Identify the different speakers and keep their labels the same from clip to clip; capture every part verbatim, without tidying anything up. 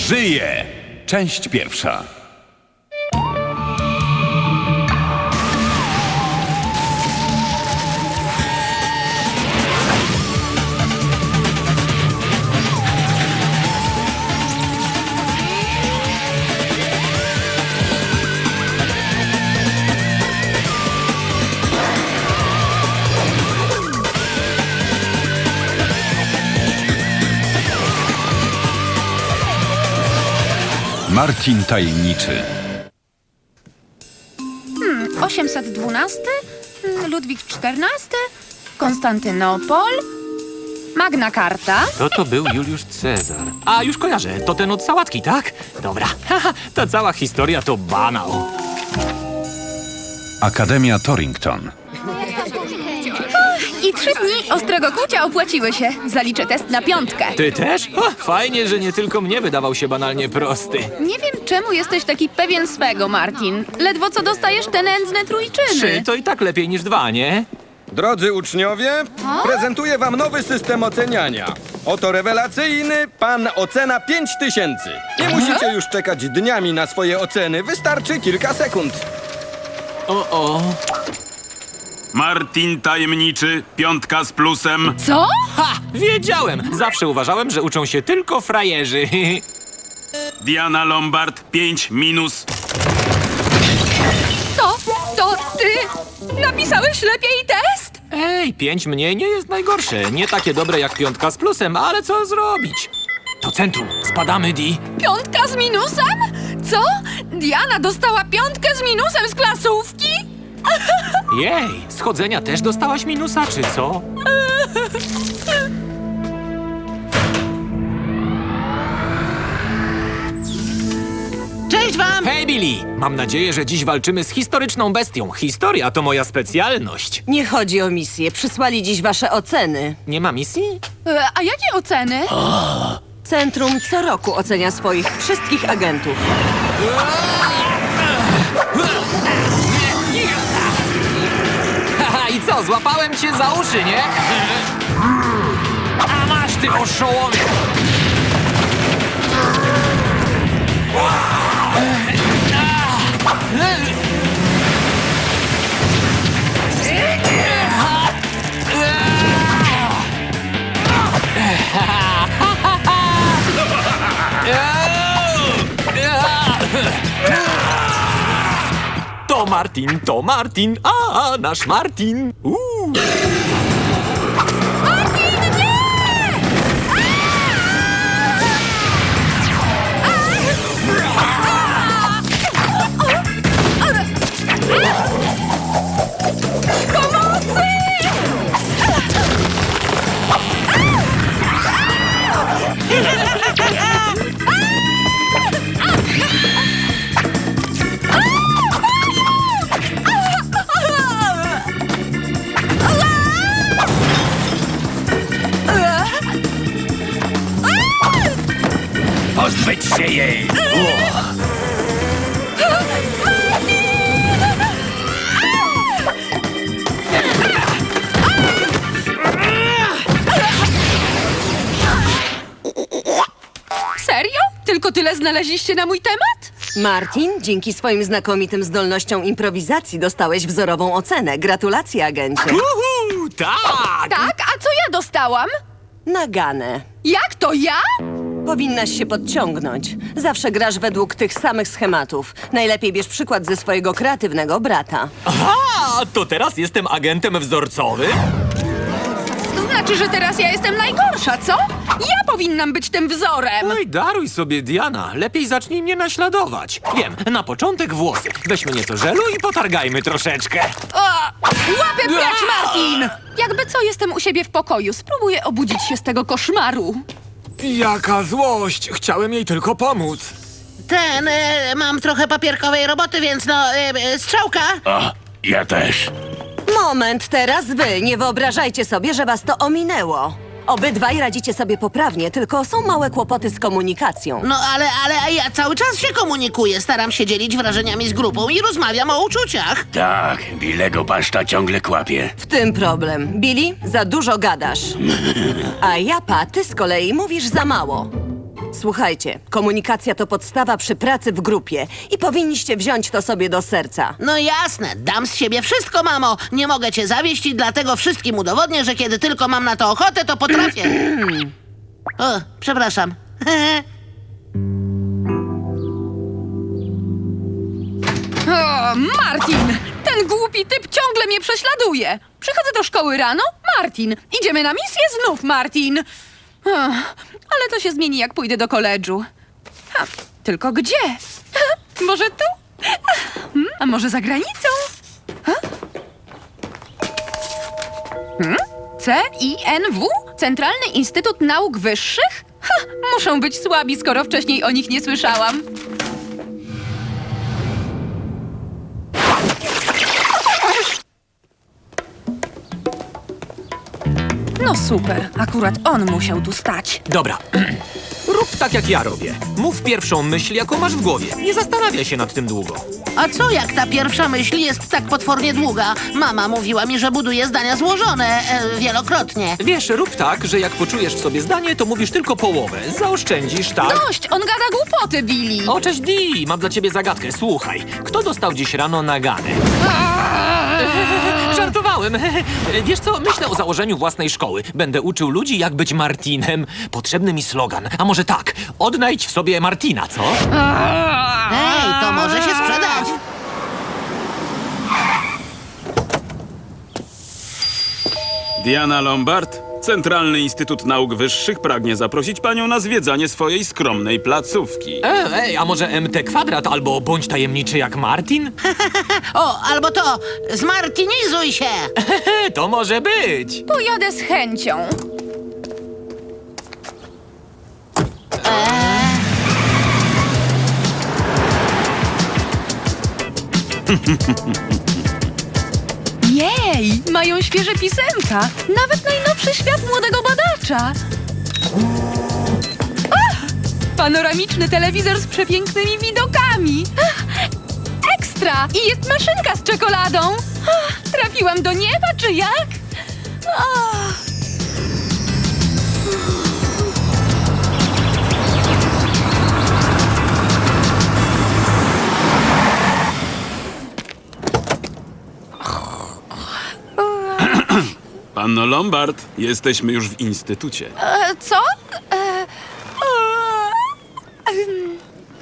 Speaker 1: żyje! Część pierwsza. Martin Tajemniczy.
Speaker 2: osiemset dwunasty, Ludwik czternasty, Konstantynopol, Magna Carta.
Speaker 3: To to był Juliusz Cezar. A, już kojarzę. To ten od sałatki, tak? Dobra. Haha, ta cała historia to banał.
Speaker 1: Akademia Torrington.
Speaker 2: I trzy dni ostrego kłucia opłaciły się. Zaliczę test na piątkę.
Speaker 3: Ty też? O, fajnie, że nie tylko mnie wydawał się banalnie prosty.
Speaker 2: Nie wiem, czemu jesteś taki pewien swego, Martin. Ledwo co dostajesz te nędzne trójczyny.
Speaker 3: Trzy to i tak lepiej niż dwa, nie?
Speaker 4: Drodzy uczniowie, prezentuję wam nowy system oceniania. Oto rewelacyjny Pan Ocena pięć tysięcy. Nie musicie już czekać dniami na swoje oceny, wystarczy kilka sekund.
Speaker 3: O, o.
Speaker 5: Martin Tajemniczy, piątka z plusem.
Speaker 2: Co?
Speaker 3: Ha! Wiedziałem! Zawsze uważałem, że uczą się tylko frajerzy.
Speaker 5: Diana Lombard, pięć minus.
Speaker 2: To, to ty napisałeś lepiej test?
Speaker 3: Ej, pięć mniej nie jest najgorsze. Nie takie dobre jak piątka z plusem, ale co zrobić? To centrum. Spadamy, Di.
Speaker 2: Piątka z minusem? Co? Diana dostała piątkę z minusem z klasówki?
Speaker 3: Jej, schodzenia też dostałaś minusa, czy co?
Speaker 6: Cześć wam!
Speaker 3: Hej, Billy! Mam nadzieję, że dziś walczymy z historyczną bestią. Historia to moja specjalność.
Speaker 6: Nie chodzi o misję. Przysłali dziś wasze oceny.
Speaker 3: Nie ma misji?
Speaker 2: E, A jakie oceny?
Speaker 6: Centrum co roku ocenia swoich wszystkich agentów.
Speaker 3: Haha, i co? Złapałem cię za uszy, nie? A masz, ty oszołomie! To Martin, to Martin, a nasz Martin. Uuu.
Speaker 5: Pozbyć się jej!
Speaker 2: Serio? Tylko tyle znaleźliście na mój temat?
Speaker 6: Martin, dzięki swoim znakomitym zdolnościom improwizacji dostałeś wzorową ocenę. Gratulacje, agencie.
Speaker 3: Uhu, tak!
Speaker 2: Tak, a co ja dostałam?
Speaker 6: Naganę.
Speaker 2: Jak to ja?
Speaker 6: Powinnaś się podciągnąć. Zawsze grasz według tych samych schematów. Najlepiej bierz przykład ze swojego kreatywnego brata.
Speaker 3: Aha, to teraz jestem agentem wzorcowym?
Speaker 2: Znaczy, że teraz ja jestem najgorsza, co? Ja powinnam być tym wzorem.
Speaker 3: Oj, daruj sobie, Diana. Lepiej zacznij mnie naśladować. Wiem, na początek włosy. Weźmy nieco żelu i potargajmy troszeczkę.
Speaker 2: O, łapę precz, Martin! Jakby co, jestem u siebie w pokoju. Spróbuję obudzić się z tego koszmaru.
Speaker 3: Jaka złość! Chciałem jej tylko pomóc.
Speaker 7: Ten, e, mam trochę papierkowej roboty, więc no, e, e, strzałka.
Speaker 5: O, ja też.
Speaker 6: Moment, teraz wy. Nie wyobrażajcie sobie, że was to ominęło. Obydwaj radzicie sobie poprawnie, tylko są małe kłopoty z komunikacją.
Speaker 7: No ale, ale ja cały czas się komunikuję, staram się dzielić wrażeniami z grupą i rozmawiam o uczuciach.
Speaker 5: Tak, Billego paszta ciągle kłapie.
Speaker 6: W tym problem. Billy, za dużo gadasz. A Japa, ty z kolei mówisz za mało. Słuchajcie, komunikacja to podstawa przy pracy w grupie i powinniście wziąć to sobie do serca.
Speaker 7: No jasne, dam z siebie wszystko, mamo. Nie mogę cię zawieść i dlatego wszystkim udowodnię, że kiedy tylko mam na to ochotę, to potrafię. O, przepraszam.
Speaker 2: O, Martin! Ten głupi typ ciągle mnie prześladuje. Przychodzę do szkoły rano, Martin. Idziemy na misję, znów Martin. Ach, ale to się zmieni, jak pójdę do koledżu. Ha, tylko gdzie? Może tu? Hmm, a może za granicą? Ha? Hmm? C I N W? Centralny Instytut Nauk Wyższych? Ha, muszą być słabi, skoro wcześniej o nich nie słyszałam. No super, akurat on musiał tu stać.
Speaker 3: Dobra, rób tak jak ja robię. Mów pierwszą myśl, jaką masz w głowie. Nie zastanawiaj się nad tym długo.
Speaker 7: A co jak ta pierwsza myśl jest tak potwornie długa? Mama mówiła mi, że buduje zdania złożone e, wielokrotnie.
Speaker 3: Wiesz, rób tak, że jak poczujesz w sobie zdanie, to mówisz tylko połowę. Zaoszczędzisz, tak?
Speaker 2: Dość, on gada głupoty, Billy.
Speaker 3: O, cześć Dee, mam dla ciebie zagadkę. Słuchaj, kto dostał dziś rano nagany? Żartowałem. Wiesz co, myślę o założeniu własnej szkoły. Będę uczył ludzi, jak być Martinem. Potrzebny mi slogan. A może tak, odnajdź w sobie Martina, co?
Speaker 7: Ej, to może się sprzedać.
Speaker 5: Diana Lombard, Centralny Instytut Nauk Wyższych pragnie zaprosić panią na zwiedzanie swojej skromnej placówki.
Speaker 3: Ej, ej, a może M T kwadrat albo bądź tajemniczy jak Martin?
Speaker 7: O, albo to, zmartinizuj się.
Speaker 3: To może być.
Speaker 2: Pojadę z chęcią. Jej, mają świeże pisemka. Nawet najnowszy świat młodego badacza. Ach, panoramiczny telewizor z przepięknymi widokami. Ach, ekstra! I jest maszynka z czekoladą. Ach, trafiłam do nieba, czy jak? Ach.
Speaker 5: Panno Lombard, jesteśmy już w instytucie.
Speaker 2: E, co? E, e, em.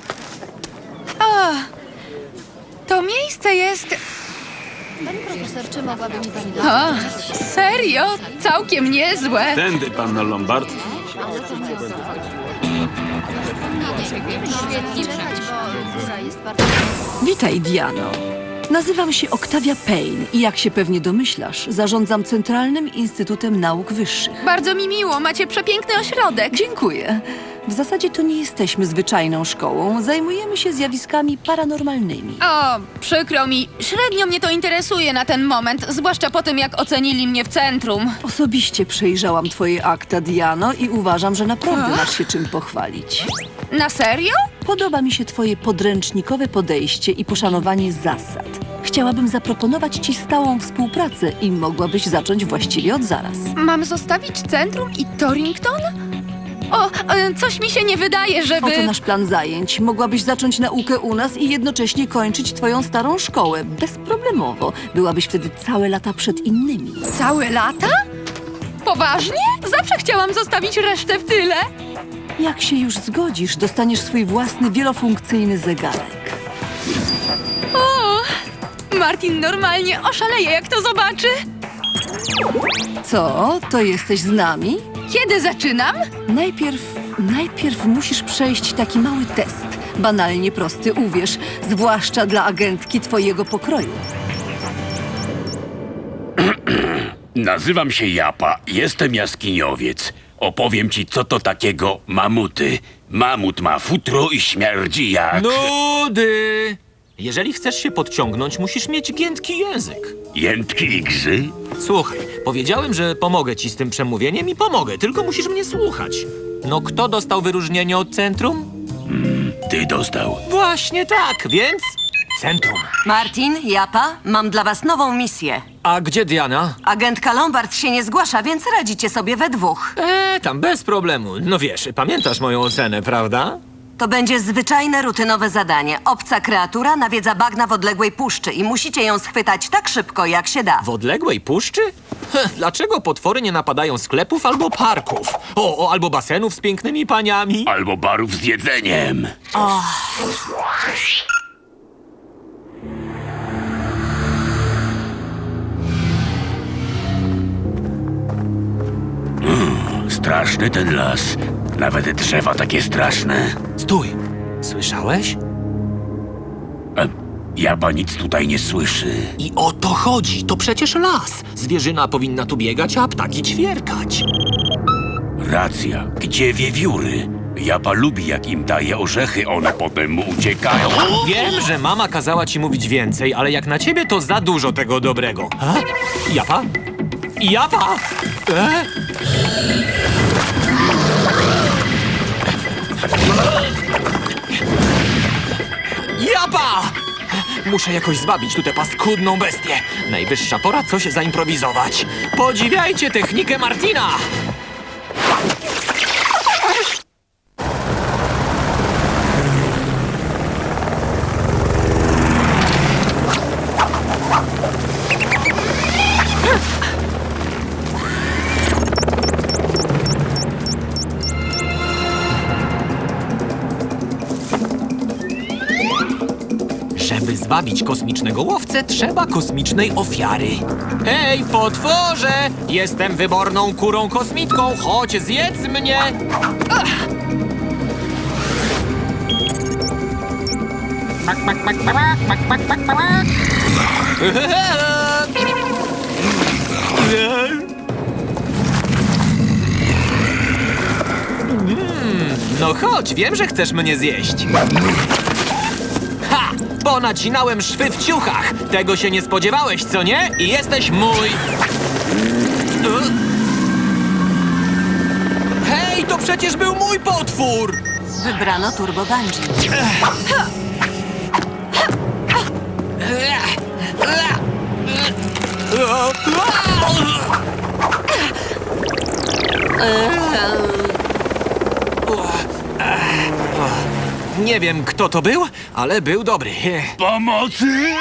Speaker 2: O, to miejsce jest...
Speaker 8: Pani profesor, czy mogłaby mi pani
Speaker 2: O, serio? Całkiem niezłe.
Speaker 5: Tędy, panno Lombard.
Speaker 8: świetnie czytać, bo góra jest bardzo...
Speaker 9: Witaj, Diano. Nazywam się Octavia Payne i jak się pewnie domyślasz, zarządzam Centralnym Instytutem Nauk Wyższych.
Speaker 2: Bardzo mi miło, macie przepiękny ośrodek.
Speaker 9: Dziękuję. W zasadzie to nie jesteśmy zwyczajną szkołą, zajmujemy się zjawiskami paranormalnymi.
Speaker 2: O, przykro mi, średnio mnie to interesuje na ten moment, zwłaszcza po tym, jak ocenili mnie w centrum.
Speaker 9: Osobiście przejrzałam twoje akta, Diano, i uważam, że naprawdę masz się czym pochwalić.
Speaker 2: Na serio?
Speaker 9: Podoba mi się twoje podręcznikowe podejście i poszanowanie zasad. Chciałabym zaproponować ci stałą współpracę i mogłabyś zacząć właściwie od zaraz.
Speaker 2: Mam zostawić centrum i Torrington? O, e, coś mi się nie wydaje, żeby...
Speaker 9: Oto nasz plan zajęć. Mogłabyś zacząć naukę u nas i jednocześnie kończyć twoją starą szkołę. Bezproblemowo. Byłabyś wtedy całe lata przed innymi.
Speaker 2: Całe lata? Poważnie? Zawsze chciałam zostawić resztę w tyle.
Speaker 9: Jak się już zgodzisz, dostaniesz swój własny wielofunkcyjny zegarek.
Speaker 2: O, Martin normalnie oszaleje, jak to zobaczy.
Speaker 9: Co? To jesteś z nami?
Speaker 2: Kiedy zaczynam?
Speaker 9: Najpierw, najpierw musisz przejść taki mały test. Banalnie prosty, uwierz, zwłaszcza dla agentki twojego pokroju.
Speaker 5: Nazywam się Japa, jestem jaskiniowiec. Opowiem ci, co to takiego mamuty. Mamut ma futro i śmierdzi jak...
Speaker 3: Nudy! Jeżeli chcesz się podciągnąć, musisz mieć giętki język.
Speaker 5: Jętki igrzy?
Speaker 3: Słuchaj, powiedziałem, że pomogę ci z tym przemówieniem i pomogę, tylko musisz mnie słuchać. No kto dostał wyróżnienie od centrum?
Speaker 5: Ty dostał.
Speaker 3: Właśnie tak, więc centrum.
Speaker 6: Martin, Japa, mam dla was nową misję.
Speaker 3: A gdzie Diana?
Speaker 6: Agentka Lombard się nie zgłasza, więc radzicie sobie we dwóch.
Speaker 3: Eee, tam bez problemu. No wiesz, pamiętasz moją ocenę, prawda?
Speaker 6: To będzie zwyczajne, rutynowe zadanie. Obca kreatura nawiedza bagna w odległej puszczy i musicie ją schwytać tak szybko, jak się da.
Speaker 3: W odległej puszczy? Heh, dlaczego potwory nie napadają sklepów albo parków? O, o, albo basenów z pięknymi paniami?
Speaker 5: Albo barów z jedzeniem. Mm, straszny ten las. Nawet drzewa takie straszne.
Speaker 3: Stój! Słyszałeś?
Speaker 5: E, Japa nic tutaj nie słyszy.
Speaker 3: I o to chodzi. To przecież las. Zwierzyna powinna tu biegać, a ptaki ćwierkać.
Speaker 5: Racja. Gdzie wiewióry? Japa lubi, jak im daje orzechy, one potem mu uciekają.
Speaker 3: Wiem, że mama kazała ci mówić więcej, ale jak na ciebie to za dużo tego dobrego. A? Japa? Japa? E? Japa! Muszę jakoś zwabić tu tę paskudną bestię. Najwyższa pora coś zaimprowizować. Podziwiajcie technikę Martina! Żeby zwabić kosmicznego łowcę, trzeba kosmicznej ofiary. Hej, potworze! Jestem wyborną kurą kosmitką, chodź zjedz mnie! Ach! Mm, no chodź, wiem, że chcesz mnie zjeść. Ha! Ponacinałem szwy w ciuchach. Tego się nie spodziewałeś, co nie? I jesteś mój. Hej, to przecież był mój potwór!
Speaker 6: Wybrano Turbo Bungee.
Speaker 3: Nie wiem, kto to był, ale był dobry.
Speaker 5: Pomocy!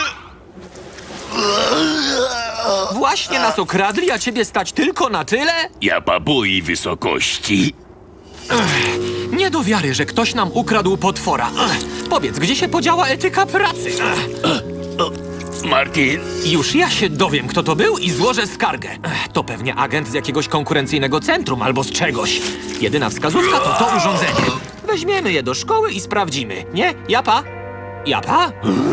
Speaker 3: Właśnie nas okradli, a ciebie stać tylko na tyle?
Speaker 5: Japa boi wysokości.
Speaker 3: Nie do wiary, że ktoś nam ukradł potwora. Ech, Powiedz, gdzie się podziała etyka pracy? Ech,
Speaker 5: Martin,
Speaker 3: Już ja się dowiem, kto to był i złożę skargę. Ech, To pewnie agent z jakiegoś konkurencyjnego centrum albo z czegoś. Jedyna wskazówka to to urządzenie. Weźmiemy je do szkoły i sprawdzimy. Nie? Japa? Japa?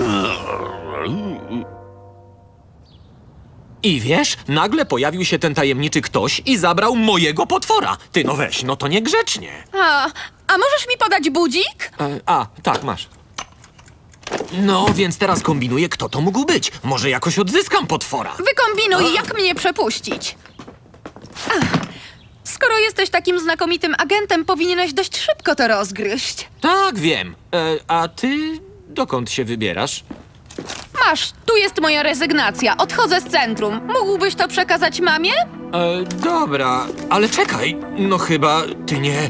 Speaker 3: I wiesz, nagle pojawił się ten tajemniczy ktoś i zabrał mojego potwora. Ty no weź, no to niegrzecznie.
Speaker 2: A, a możesz mi podać budzik?
Speaker 3: E, a, tak, masz. No, więc teraz kombinuję, kto to mógł być. Może jakoś odzyskam potwora.
Speaker 2: Wykombinuj, jak mnie przepuścić. Ach, skoro jesteś takim znakomitym agentem, powinieneś dość szybko to rozgryźć.
Speaker 3: Tak, wiem. E, a ty dokąd się wybierasz?
Speaker 2: Masz, tu jest moja rezygnacja. Odchodzę z centrum. Mógłbyś to przekazać mamie?
Speaker 3: E, dobra, ale czekaj. No chyba ty nie...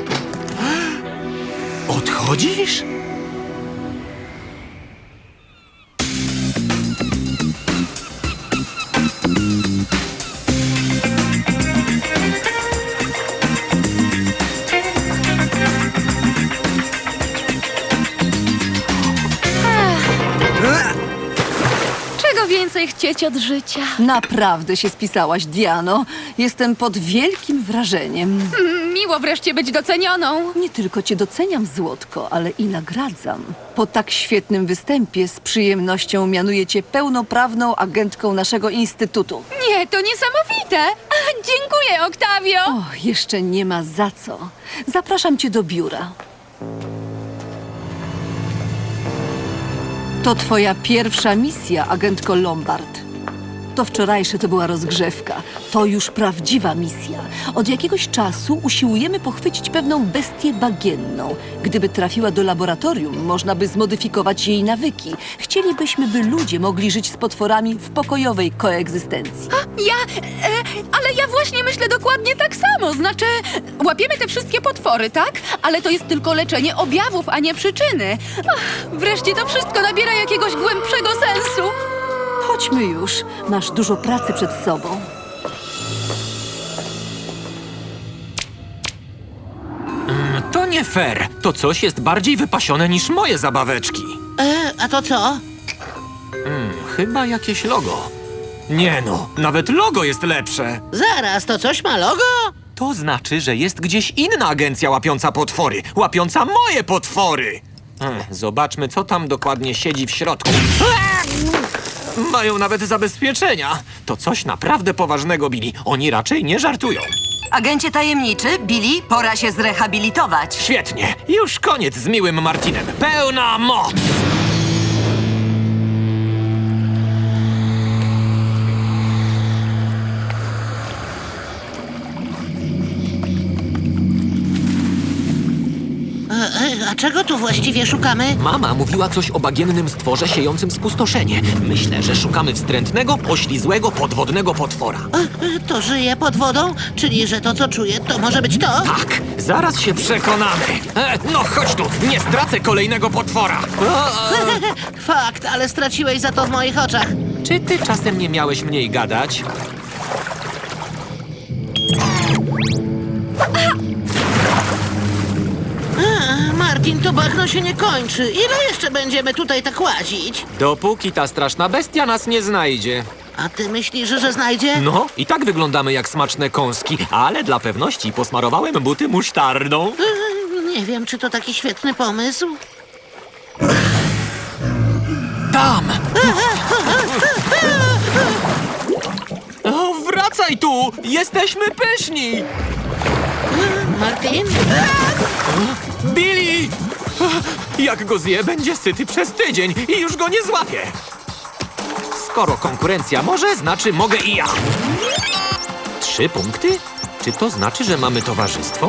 Speaker 3: Odchodzisz?
Speaker 2: Czego więcej chcieć od życia?
Speaker 9: Naprawdę się spisałaś, Diano. Jestem pod wielkim wrażeniem.
Speaker 2: Miło wreszcie być docenioną.
Speaker 9: Nie tylko cię doceniam, Złotko, ale i nagradzam. Po tak świetnym występie z przyjemnością mianuję cię pełnoprawną agentką naszego instytutu.
Speaker 2: Nie, to niesamowite. A, dziękuję, Oktawio.
Speaker 9: O, jeszcze nie ma za co. Zapraszam cię do biura. To twoja pierwsza misja, agentko Lombard. To wczorajsze to była rozgrzewka. To już prawdziwa misja. Od jakiegoś czasu usiłujemy pochwycić pewną bestię bagienną. Gdyby trafiła do laboratorium, można by zmodyfikować jej nawyki. Chcielibyśmy, by ludzie mogli żyć z potworami w pokojowej koegzystencji.
Speaker 2: Ja, e, ale ja właśnie myślę dokładnie tak samo. Znaczy, łapiemy te wszystkie potwory, tak? Ale to jest tylko leczenie objawów, a nie przyczyny. Ach, wreszcie to wszystko nabiera jakiegoś głębszego sensu.
Speaker 9: Chodźmy już. Masz dużo pracy przed sobą.
Speaker 3: To nie fair. To coś jest bardziej wypasione niż moje zabaweczki.
Speaker 7: E, a to co?
Speaker 3: Chyba jakieś logo. Nie no, nawet logo jest lepsze.
Speaker 7: Zaraz, to coś ma logo?
Speaker 3: To znaczy, że jest gdzieś inna agencja łapiąca potwory. Łapiąca moje potwory! Ech, zobaczmy, co tam dokładnie siedzi w środku. Eee! Mają nawet zabezpieczenia. To coś naprawdę poważnego, Billy. Oni raczej nie żartują.
Speaker 6: Agencie tajemniczy, Billy, pora się zrehabilitować.
Speaker 3: Świetnie. Już koniec z miłym Martinem. Pełna moc!
Speaker 7: E, e, a czego tu właściwie szukamy?
Speaker 3: Mama mówiła coś o bagiennym stworze siejącym spustoszenie. Myślę, że szukamy wstrętnego, oślizłego, podwodnego potwora.
Speaker 7: E, e, to żyje pod wodą? Czyli, że to, co czuję, to może być to?
Speaker 3: Tak, zaraz się przekonamy. E, no chodź tu, nie stracę kolejnego potwora. E, e.
Speaker 7: Fakt, ale straciłeś za to w moich oczach.
Speaker 3: Czy ty czasem nie miałeś mniej gadać?
Speaker 7: A, Martin, to bagno się nie kończy. Ile jeszcze będziemy tutaj tak łazić?
Speaker 3: Dopóki ta straszna bestia nas nie znajdzie.
Speaker 7: A ty myślisz, że znajdzie?
Speaker 3: No, i tak wyglądamy jak smaczne kąski, ale dla pewności posmarowałem buty musztardą.
Speaker 7: E, nie wiem, czy to taki świetny pomysł.
Speaker 3: Tam! O, wracaj tu! Jesteśmy pyszni!
Speaker 7: Martin?
Speaker 3: Billy! Jak go zje, będzie syty przez tydzień i już go nie złapię. Skoro konkurencja może, znaczy mogę i ja. Trzy punkty? Czy to znaczy, że mamy towarzystwo?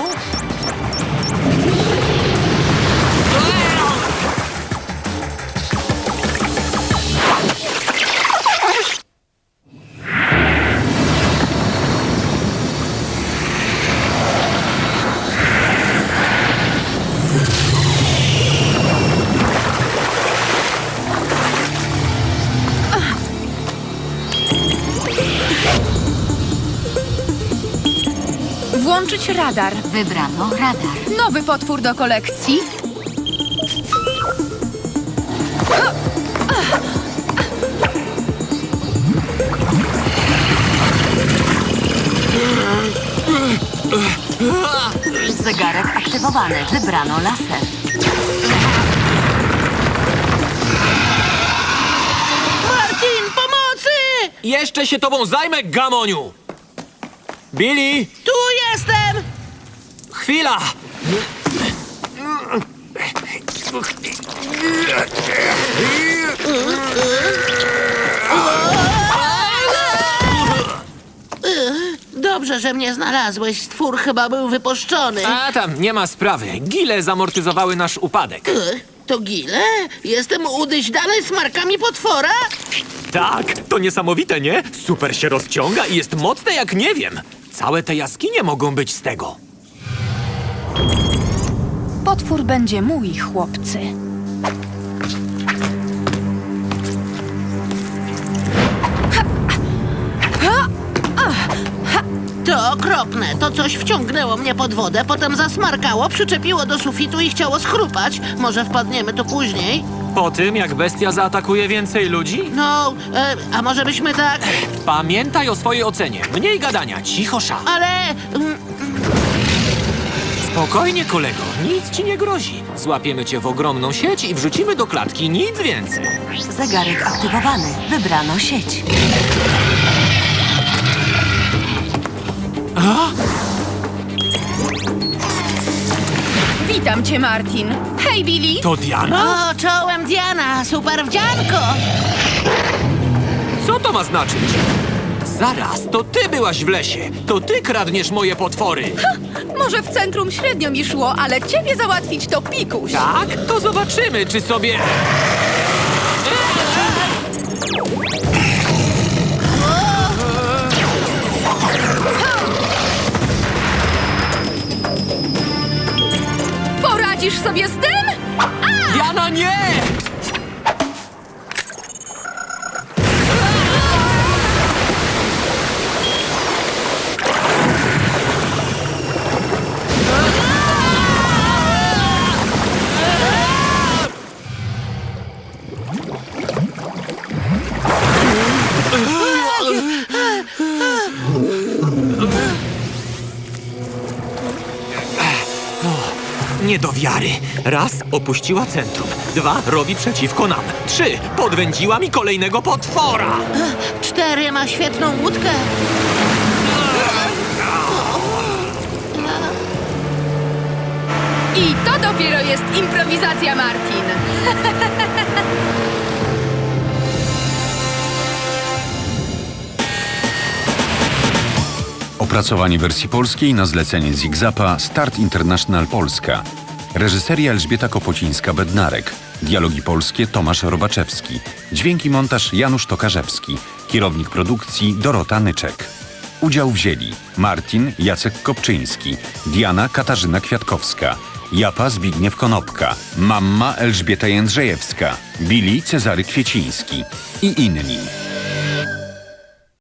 Speaker 2: Włączyć radar.
Speaker 8: Wybrano radar.
Speaker 2: Nowy potwór do kolekcji.
Speaker 6: Zegarek aktywowany. Wybrano laser.
Speaker 7: Martin, pomocy!
Speaker 3: Jeszcze się tobą zajmę, gamoniu! Billy!
Speaker 7: Tu jestem!
Speaker 3: Chwila!
Speaker 7: Dobrze, że mnie znalazłeś. Stwór chyba był wypuszczony.
Speaker 3: A tam, nie ma sprawy. Gile zamortyzowały nasz upadek.
Speaker 7: Ech, To gile? Jestem udyźdany smarkami potwora?
Speaker 3: Tak, to niesamowite, nie? Super się rozciąga i jest mocne jak nie wiem. Całe te jaskinie mogą być z tego.
Speaker 2: Potwór będzie mój, chłopcy.
Speaker 7: To okropne. To coś wciągnęło mnie pod wodę, potem zasmarkało, przyczepiło do sufitu i chciało schrupać. Może wpadniemy tu później?
Speaker 3: Po tym, jak bestia zaatakuje więcej ludzi?
Speaker 7: No, e, a może byśmy tak...
Speaker 3: Pamiętaj o swojej ocenie. Mniej gadania, cicho sza.
Speaker 7: Ale... mm,
Speaker 3: Spokojnie, kolego. Nic ci nie grozi. Złapiemy cię w ogromną sieć i wrzucimy do klatki. Nic więcej.
Speaker 6: Zegarek aktywowany. Wybrano sieć.
Speaker 2: Witam cię, Martin. Hej, Billy.
Speaker 3: To Diana?
Speaker 7: O, czołem Diana, super wdzianko!
Speaker 3: Co to ma znaczyć? Zaraz, to ty byłaś w lesie. To ty kradniesz moje potwory.
Speaker 2: Może w centrum średnio mi szło, ale ciebie załatwić to pikuś.
Speaker 3: Tak? To zobaczymy, czy sobie...
Speaker 2: Poradzisz sobie z tym?
Speaker 3: Diana, nie! Nie do wiary. Raz, opuściła centrum. Dwa, robi przeciwko nam. Trzy, podwędziła mi kolejnego potwora.
Speaker 7: Cztery, ma świetną łódkę.
Speaker 2: I to dopiero jest improwizacja, Martin.
Speaker 1: Opracowanie wersji polskiej na zlecenie Zigzapa Start International Polska. Reżyseria Elżbieta Kopocińska-Bednarek. Dialogi polskie Tomasz Robaczewski. Dźwięki montaż Janusz Tokarzewski. Kierownik produkcji Dorota Nyczek. Udział wzięli Martin Jacek Kopczyński, Diana Katarzyna Kwiatkowska, Japa Zbigniew Konopka, Mamma Elżbieta Jędrzejewska, Billy Cezary Kwieciński i inni.